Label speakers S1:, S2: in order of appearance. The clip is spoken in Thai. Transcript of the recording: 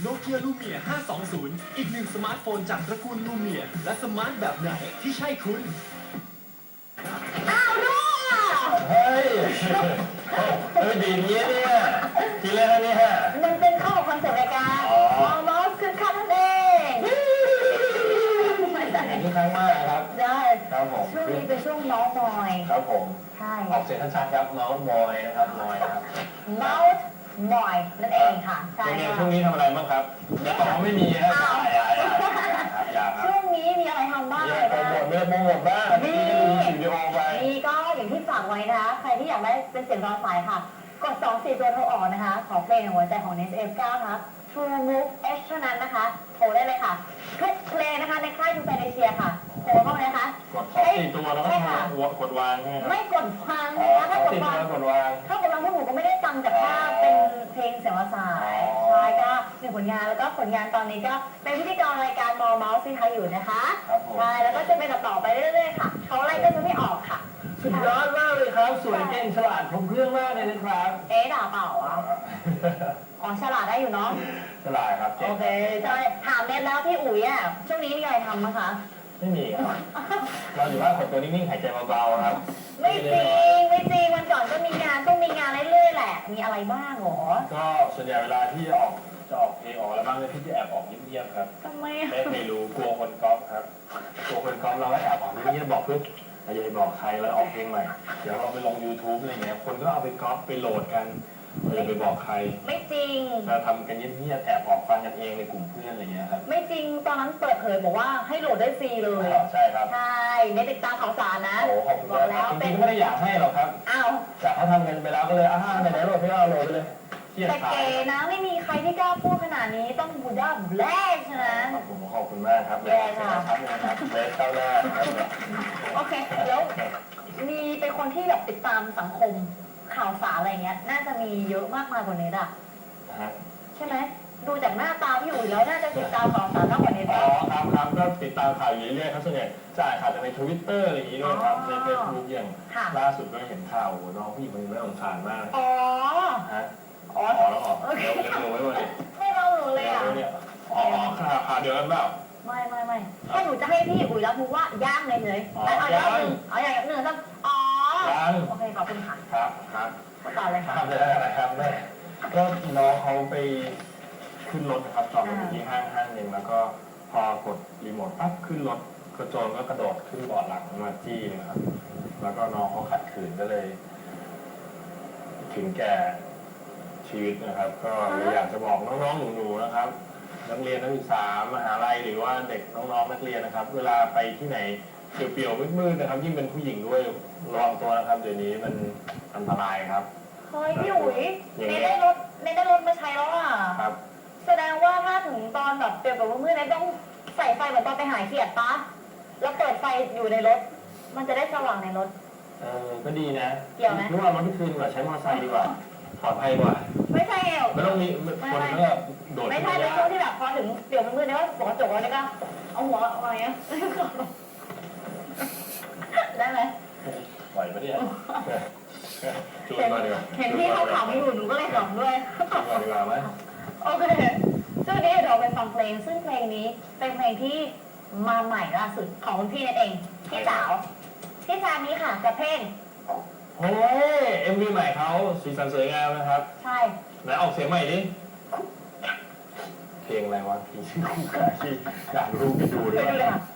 S1: Nokia Lumia 520 อีกหนึ่งสมาร์ทโฟนจากตระกูล Lumia และสมาร์ทแบบไหนที่ใช่คุณ
S2: อ้าวลูกอ่ะ
S3: เฮ้ยดีนี้เนี่ยทีแรกนี่ฮะ
S2: มันเป็นเข้ากับคอนเซ็ปต์รายการมอสคือคันนั่นเอง
S3: นี่ครั้งมากครับ
S2: ได้
S3: ครับผม
S2: ช่วงนี้เป็นช่วงเมาส์มอย
S3: ครับผม
S2: ใช่
S3: ออกเสียงชัดๆครับเมาส์มอยนะครับมอยครับ
S2: เมาส์มอยนั่นเองค่ะใช่
S3: ช่วงนี้ทำอะไรบ้างครับอย่าบอกว่าไม่มีครับอย่าครับ
S2: ช่วงนี้มีอะไรทำบ้าง
S3: อย่าโปรโมทไม่ได้โปรโมทบ้างนี่ดูวิดีโอไป
S2: นี่ก็อย่างที่ฝากไว้นะคะใครที่อยากได้เป็นเสียงรอสายค่ะกด24ตัวโทรออกนะคะขอเพลงในหัวใจของ Nest F9 นะคะ True Move H เท่านั้นนะคะโทรได้เลยค่ะทุกเพลงนะคะในค่ายทูแฟนเอเชียค่ะโทรเข้ามานะคะ
S3: กดท็อป4ตัวแล้วก็กดวางใช่ไหมครับ
S2: ไม่กดฟังนะคะถ้ากดฟัง
S3: กดวาง
S2: ถ้ากดฟังพวกหนูก็ไม่ได้ตังค์จากค่าเป็นเพลงเสียงรอสายใช่ก็หนึ่งผลงานแล้วก็ผลงานตอนนี้ก็เป็นพิธีกรรายการมอเมาส์ซีไทยอยู่นะคะใช่แล้วก็จะเป็นต่อไปเรื่อยๆค่ะเขาไล่ก็จะไม่ออกค่ะ
S3: สุดยอดมากเลยครับสวยเก่งฉลาดครบเครื่องมากเลยนะครับ
S2: ด่าเปล่าอ่ะอ๋อฉลาดได้อยู่เนาะ
S3: ฉลาดครับ
S2: โอเคใช่ถามเน็ตแล้วพี่อุ๋ยอ่ะช่วงนี้มีอะไรทำมั้งคะ
S3: ไม่มีครับเราอยู่บ้านขดตัวนิ่งๆหายใจเบาๆครับ
S2: ไม่จริงไม่จริงวันก่อนก็มีงานต้องมีงานเรื่อยๆแหละมีอะไรบ้างหรอ
S3: ก็ส่วนใหญ่เวลาที่จะออกเพลงออกแล้วบ้างเลยพี่จะแอบออกเงียบๆครับ
S2: ทำไม
S3: ไม่รู้กลัวคนก๊อปครับกลัวคนก๊อปเราก็แอบออกเงียบๆบอกเพื่อนอย่าไปบอกใครแล้วออกเพลงใหม่เดี๋ยวเราไปลง YouTube อะไรเงี้ยคนก็เอาไปก๊อปไปโหลดกันอย่าไปบอกใคร
S2: ไม่จริง
S3: เราทำกันเงียบๆแอบออกฟังกันเองในกลุ่มเพื่อนอะไรเงี้ยครับ
S2: ไม่จริงตอนนั้นเปิดเผยบอกว่าให้โหลดได้ฟรีเลย
S3: ใช่ครับ
S2: ใช่เน็ตติดตามข่าวสารนะ
S3: โอ้ขอบคุณ
S2: บอก
S3: ค
S2: แล้
S3: รับ
S2: ว
S3: จ
S2: เป็
S3: ริ
S2: น
S3: งๆไม่ได้อยากให้หรอกครับ
S2: อ้าว
S3: จากเขาทำกันไปแล้วก็เลยไหนๆโหลดให้เราโหลดไปเลยเกียด
S2: แต่
S3: ขาย
S2: เก๋นะไม่มีใครที่กล้าพูดขนาดนี้ต้องบูด้าแบลชนะ
S3: ผมขอบคุณมากครับเลยครับเลยครับเลสเข้าหน้าครับ
S2: โอเคแล้วมีเป็นคนที่แบบติดตามสังคมข่าวสารอะไรเงี้ยน่าจะมีเยอะมากมายกว่าเน็ตอะใช่ไหมดูจากหน้าตาพี่อุ๋ยแล้วน่าจะติดตามข่าวสารมากกว่าเน็ต
S3: อ๋อครับก็ติดตามข่าวอยู่เรื่อยๆครับส่วนใหญ่จะอ่านข่าวจากใน Twitter อะไรอย่างนี้ด้วยครับใน Facebook อย่างล่าสุดก็เห็นข่าวน้องผู้หญิงคนนึงน่าสงสารมาก
S2: อ๋อ
S3: ฮะ
S2: อ๋อ
S3: แล้วออกเร็วไว้เลย
S2: ไม่เล่าหนูเลยอ่ะ
S3: อ๋อข่าวเดียวกันเปล่า
S2: ไม่แค่หนูจะให้พี่อุ๋ยรับรู้ว่าย่างเลยเลยเอาอย่างหนึ่งอย่างหนึ่งครับอ๋อโอเคขอบคุณค่ะ
S3: ครับ
S2: ต่อเลยค่ะ
S3: ทำได้อะไรครับแม่ก็น้องเขาไปขึ้นรถนะครับจอดอยู่ที่ห้างหนึ่งแล้วก็พอกดรีโมทปั๊บขึ้นรถกระโจนก็กระโดดขึ้นเบาะหลังมาจี้เลยครับแล้วก็น้องเขาขัดขืนก็เลย ถึงแก่ชีวิตนะครับ ก็เลยอยากจะบอกน้องๆหนูๆนะครับนักเรียนนักศึกษามหาลัยหรือว่าเด็กน้องๆนักเรียนนะครับ เวลาไปที่ไหนเปลี่ยวๆมืดๆนะครับยิ่งเป็นผู้หญิงด้วยระวังตัวนะครับเดี๋ยวนี้มันอันตรายครับ
S2: เฮ้ยพี่อุ๋ยเนได้รถมาใช้แล้วอ่ะ
S3: ครับ
S2: แสดงว่าถ้าถึงตอนแบบเปลี่ยนกับมืดๆเนี่ยต้องใส่ไฟเหมือนตอนไปหาเขียดปะแล้วเปิดไฟอยู่ในรถ มันจะได้สว่างในรถ
S3: ก็ดีนะ
S2: เกี่ยวไหม
S3: นึกว่ารถที่คืนกว่าใช้มอเตอร์ไซค์ดีกว่าปลอดภัยกว่า
S2: ไม่ใช่เอว
S3: ไม่ต้องมีคนก็โดด
S2: ไม่ใช่เป็นช่วงที่แบบพอถึงเปลี่ยนมืดๆเนี่ยว่าปกระจกแล้วเนี่ยก็เอาหัวออกมาอย่างเงี้ยได้ไหม
S3: ปล่อยไปเนี่ยชวนมาดีกว่า
S2: เห็นพี่เขาขำอยู่หนูก็เลยขำด้วย
S3: ชวนมาดีกว่าไหม
S2: โอเคช่วงนี้เราไปฟังเพลงซึ่งเพลงนี้เป็นเพลงที่มาใหม่ล่าสุดของคุณพี่นั่นเองพี่สาวนี้ค่ะกับเพลง
S3: โอ้ย MV ใหม่เขาสีสันสวยงามนะครับ
S2: ใช่
S3: ไหนออกเสียงใหม่ดิเพลงอะไรวะพี่คู่กาที่อยากรู้ไปดู
S2: ไป
S3: ด้วย
S2: ดูเลยค่ะ